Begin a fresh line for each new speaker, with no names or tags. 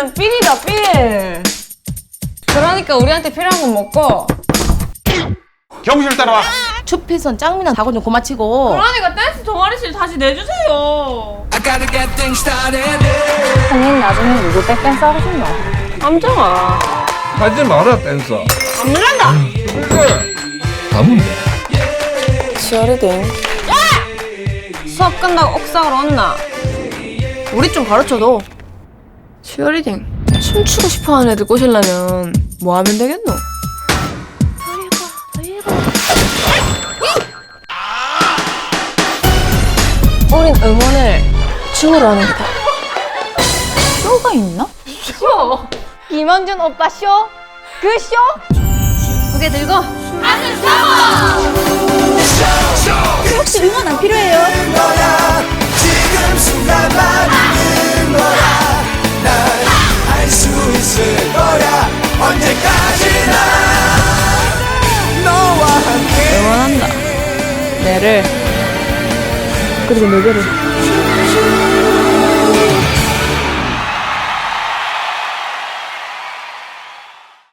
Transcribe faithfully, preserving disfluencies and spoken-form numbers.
우리는 삘이다 삘. 그러니까 우리한테 필요한 건 먹고.
경실 따라와.
추필선 짱미나 다고 좀 고마치고.
그러니까 댄스 동아리실 다시 내주세요.
형님 나중에 누구 백댄스 하고 싶나?
함정아.
하지 마라 댄서.
안 된다.
그래. 가면 돼.
치어리딩. 수업 끝나고 옥상으로 온나?
우리 좀 가르쳐도.
치어리딩. 춤추고 싶어하는 애들 꼬시려면 뭐 하면 되겠노? 우린 응원을 춤으로 하는 거다.
쇼가 있나?
쇼?
김원준 오빠 쇼? 그 쇼?
고개 들고
혹시 응원 안 필요해요?
지금 순간만 있는 거야. 난 할 수 있을 거야. 언제까지나 너와 함께
응원한다. 내를 그리고 너희를.